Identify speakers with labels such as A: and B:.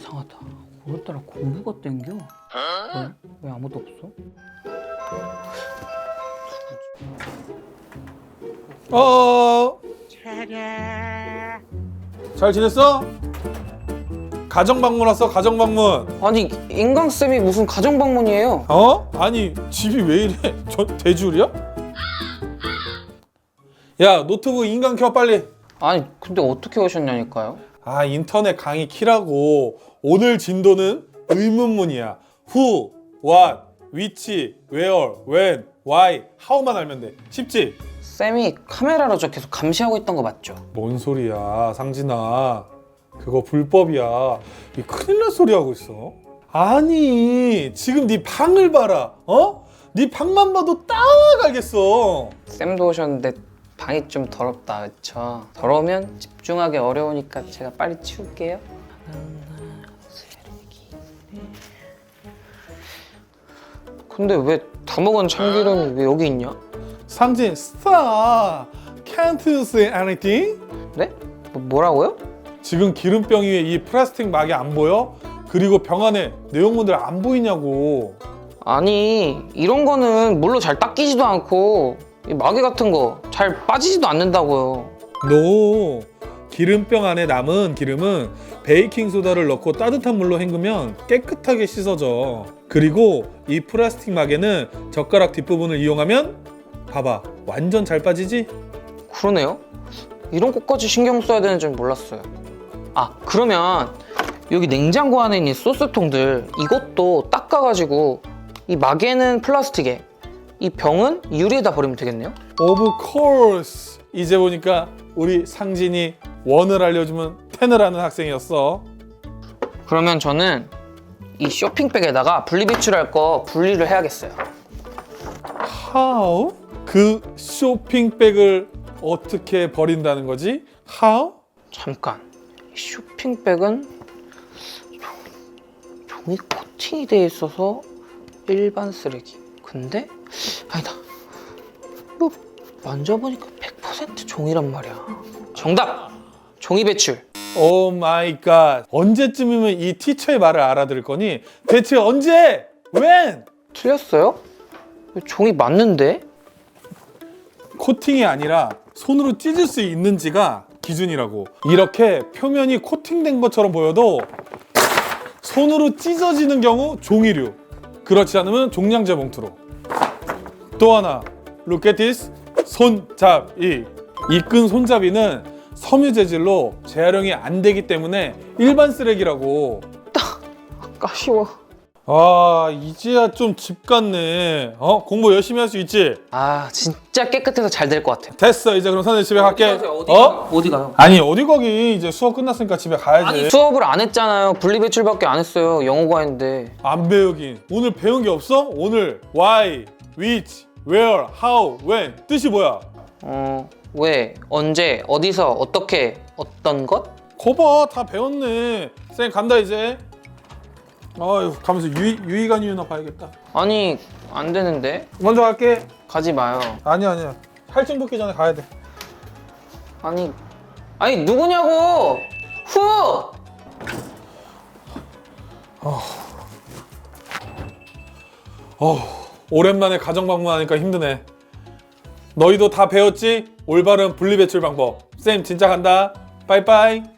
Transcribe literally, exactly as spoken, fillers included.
A: 이상하다. 오늘따라 공부가 땡겨. 왜? 왜 아무도 없어?
B: 어. 잘 지냈어? 가정 방문 왔어. 가정 방문.
A: 아니 인강쌤이 무슨 가정방문이에요?
B: 어? 아니 집이 왜 이래? 저 대줄이야? 야 노트북 인강 켜 빨리.
A: 아니 근데 어떻게 오셨냐니까요?
B: 아 인터넷 강의 키라고. 오늘 진도는 의문문이야. Who, What, Which, Where, When, Why, How만 알면 돼. 쉽지?
A: 쌤이 카메라로 저 계속 감시하고 있던 거 맞죠?
B: 뭔 소리야 상진아. 그거 불법이야. 이 큰일 날 소리 하고 있어. 아니 지금 네 방을 봐라. 어? 네 방만 봐도 딱 알겠어.
A: 쌤도 오셨는데 방이 좀 더럽다 그쵸? 더러우면 집중하기 어려우니까 제가 빨리 치울게요. 근데 왜 다 먹은 참기름이 왜 여기 있냐?
B: 상진 stop. Can't you say anything?
A: 네? 뭐, 뭐라고요?
B: 지금 기름병 위에 이 플라스틱 막이 안 보여? 그리고 병 안에 내용물들 안 보이냐고.
A: 아니 이런 거는 물로 잘 닦이지도 않고 이 마개 같은 거 잘 빠지지도 않는다고요.
B: 너 기름병 안에 남은 기름은 베이킹소다를 넣고 따뜻한 물로 헹구면 깨끗하게 씻어져. 그리고 이 플라스틱 막에는 젓가락 뒷부분을 이용하면 봐봐 완전 잘 빠지지?
A: 그러네요. 이런 것까지 신경 써야 되는 줄 몰랐어요. 아 그러면 여기 냉장고 안에 있는 소스통들 이것도 닦아가지고 이 마개는 플라스틱에 이 병은 유리에다 버리면 되겠네요?
B: Of course. 이제 보니까 우리 상진이 원을 알려주면 텐을 하는 학생이었어.
A: 그러면 저는 이 쇼핑백에다가 분리배출할 거 분리를 해야겠어요.
B: How? 그 쇼핑백을 어떻게 버린다는 거지? How?
A: 잠깐, 이 쇼핑백은 종- 종이 코팅이 돼 있어서 일반 쓰레기. 근데 아니다. 이거 만져보니까 백 퍼센트 종이란 말이야. 정답! 종이 배출.
B: 오 마이 갓. 언제쯤이면 이 티처의 말을 알아들을 거니? 대체 언제? When?
A: 틀렸어요? 종이 맞는데?
B: 코팅이 아니라 손으로 찢을 수 있는지가 기준이라고. 이렇게 표면이 코팅된 것처럼 보여도 손으로 찢어지는 경우 종이류. 그렇지 않으면 종량제 봉투로. 또 하나, look at this. 손잡이. 이 끈 손잡이는 섬유 재질로 재활용이 안 되기 때문에 일반 쓰레기라고.
A: 아까워.
B: 아 이제야 좀 집 같네. 어 공부 열심히 할 수 있지?
A: 아 진짜 깨끗해서 잘 될 것 같아요.
B: 됐어 이제 그럼 선생님 집에 갈게.
A: 어디
B: 어?
A: 가요? 어디 가요?
B: 아니 어디 거기 이제 수업 끝났으니까 집에 가야지.
A: 아니 수업을 안 했잖아요. 분리배출밖에 안 했어요. 영어 과인데.
B: 안 배우긴. 오늘 배운 게 없어? 오늘 why, which, where, how, when 뜻이 뭐야?
A: 어, 왜, 언제, 어디서, 어떻게, 어떤 것?
B: 거봐 다 배웠네. 쌤 간다 이제. 아유 가면서 유희, 유희관 유나 봐야겠다.
A: 아니 안 되는데.
B: 먼저 갈게.
A: 가지 마요.
B: 아니야 아니야. 할증 붙기 전에 가야 돼.
A: 아니 아니 누구냐고. 후.
B: 어 오랜만에 가정 방문하니까 힘드네. 너희도 다 배웠지? 올바른 분리배출 방법. 쌤 진짜 간다. 빠이빠이.